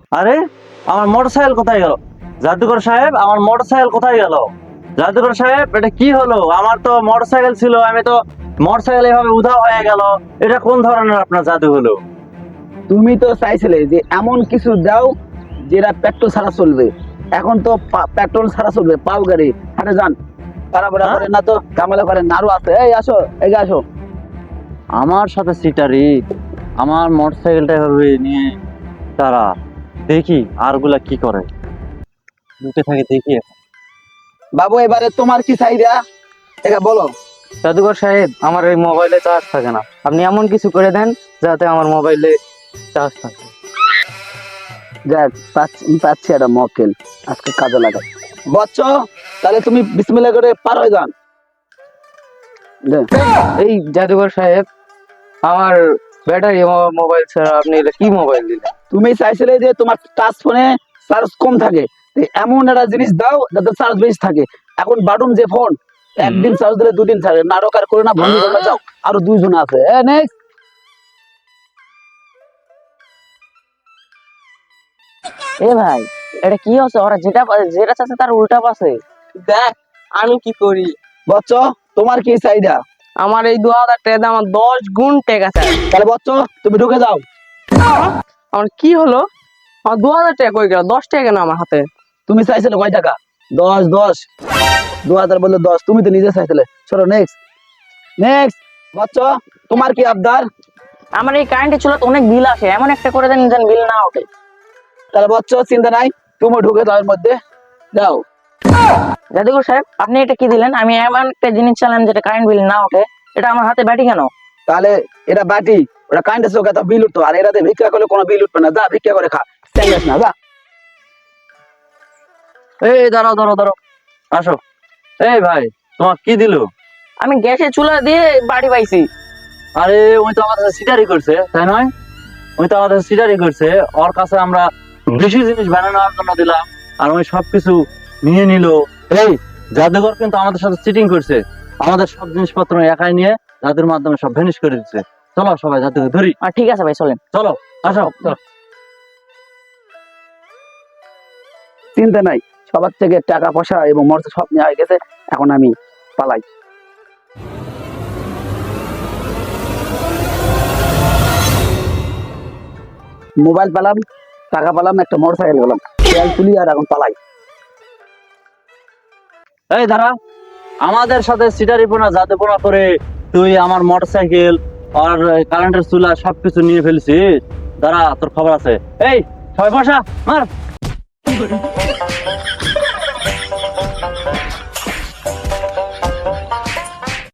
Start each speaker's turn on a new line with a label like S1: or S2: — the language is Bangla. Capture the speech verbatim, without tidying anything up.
S1: আরে আমার মোটরসাইকেল কোথায় গেল? জাদুকর সাহেব, আমার মোটরসাইকেল কোথায় গেল? জাদুকর সাহেব, এটা কি হলো? আমার তো মোটরসাইকেল ছিল, আমি তো মোটরসাইকেল এভাবে উধাও হয়ে গেল। এটা কোন ধরনের আপনার জাদু হলো?
S2: তুমি তো চাইছিলে যে এমন কিছু দাও যেটা পেট্রোল ছাড়া চলবে। এখন তো পা- পেট্রোল ছাড়া চলবে, পাও গাড়ি হাটে যান। পারাপারা
S1: হ্যাঁ?
S2: করেন না তো, ঝামেলা করেন না। আরো আছে, এই আসো, এগিয়ে আসো।
S1: আমার সাথে সিটারি, আমার মোটরসাইকেলটা এভাবে নিয়ে তারা, দেখি আরগুলা কি করে, লুটে থাকে দেখি এখন।
S2: বাবু এবারে তোমার কি চাহিদা এটা বলো।
S3: জাদুকর সাহেব, আমার এই মোবাইলে চার্জ থাকে না, আপনি এমন কিছু করে দেন যাতে আমার মোবাইলে চার্জ থাকে।
S2: যাক, পাচ্ছি পাচ্ছি একটা মক্কেল, আজকে কাজে লাগাই। বচ্চ, তাহলে তুমি বিসমিল্লাহ করে পার হয়ে যান। দে।
S3: এই জাদুকর সাহেব, আমার ব্যাটারি মোবাইল ছাড়া আপনি এটা কি মোবাইল দিলেন?
S2: তুমি চাইছিলে যে তোমার টাচ ফোনে চার্জ কম থাকে, তো এমন একটা জিনিস দাও যাতে চার্জ বেশি থাকে। এখন বাটন যে ফোন, একদিন চার্জ দিলে দুদিন থাকে। নাটক আর করে না, ভঙ্গি করে না, যাও। আরো দুইজন আছে। এ নেক্সট।
S3: এ ভাই, এটা কি হচ্ছে? ওরা যেটা যেটা চাচ্ছে তার উল্টা পাচ্ছে। দেখ আমি কি করি।
S2: বচ্চ, তোমার কি চাহিদা?
S3: আমার এই দু হাজার টাকা দিয়ে আমার দশ গুণ টেকা চাই।
S2: তাহলে বচ্চ, তুমি ঢুকে যাও।
S3: আমার কি হলো? আমার দু হাজার টাকা কই গেল? দশ টাকা কেন আমার হাতে?
S2: তুমি চাইছিলে কয় টাকা? দশ দশ দু হাজার বললে দশ, তুমি তো নিজে চাইছিলে। চলো নেক্সট নেক্সট। বচ্চ, তোমার কি আবদার?
S3: আমার এই কারেন্টের চুলাতে অনেক বিল আসে, এমন একটা করে দেন যেন বিল না ওঠে।
S2: তাহলে বচ্চ, চিন্তা নাই, তুমি ঢুকে যাও এর মধ্যে, যাও।
S3: জাদুঘর সাহেব, আপনি এটা কি দিলেন? আমি এমন একটা জিনিস চালাম যেটা কারেন্ট বিল না ওঠে, এটা আমার হাতে ব্যাটি কেন?
S2: তাহলে এটা বাটি, ওটা কারেন্টের চোখে তো বিল উঠতো, আর এটাতে ভিক্ষা করলে কোনো বিল উঠবে না। যা ভিক্ষা করে খা, স্ট্যান্ডার্ড না, যা।
S1: এই দাঁড়াও দাঁড়াও দাঁড়াও, আসো। এই ভাই, তোমার কি দিলো?
S3: আমি গ্যাসের চুলা দিয়ে বাড়ি পাইছি।
S1: আরে ওই তো আমাদের সিটারি করছে, তাই নয়? ওই তো আমাদের সিটারি করছে। ওর কাছে আমরা বেশি জিনিস বানানোর জন্য দিলাম, আর ওই সবকিছু নিয়ে নিল। এই জাদুঘর কিন্তু আমাদের সাথে চিটিং করছে, আমাদের সব জিনিসপত্র একাই নিয়ে জাদুর মাধ্যমে সব ভ্যানিশ করে দিচ্ছে। চলো সবাই জাদুঘর ধরি,
S3: আর ঠিক আছে ভাই, চলেন।
S1: চলো আসো চলো।
S2: চিন্তা নাই, সবার থেকে টাকা পয়সা এবং মর্য সব নেওয়া হয়ে গেছে। এখন আমি পালাই। মোবাইল পেলাম, টাকা পেলাম, একটা মোটর সাইকেল পেলাম, তেল তুলি আর এখন পালাই।
S1: এই দাঁড়া, আমাদের সাথে সিটারিপনা জাদুপনা করে তুই আমার মোটরসাইকেল আর কারেন্টের চুলা সবকিছু নিয়ে ফেলছিস। দাঁড়া, তোর খবর আছে। এই সবাই বসা, মার।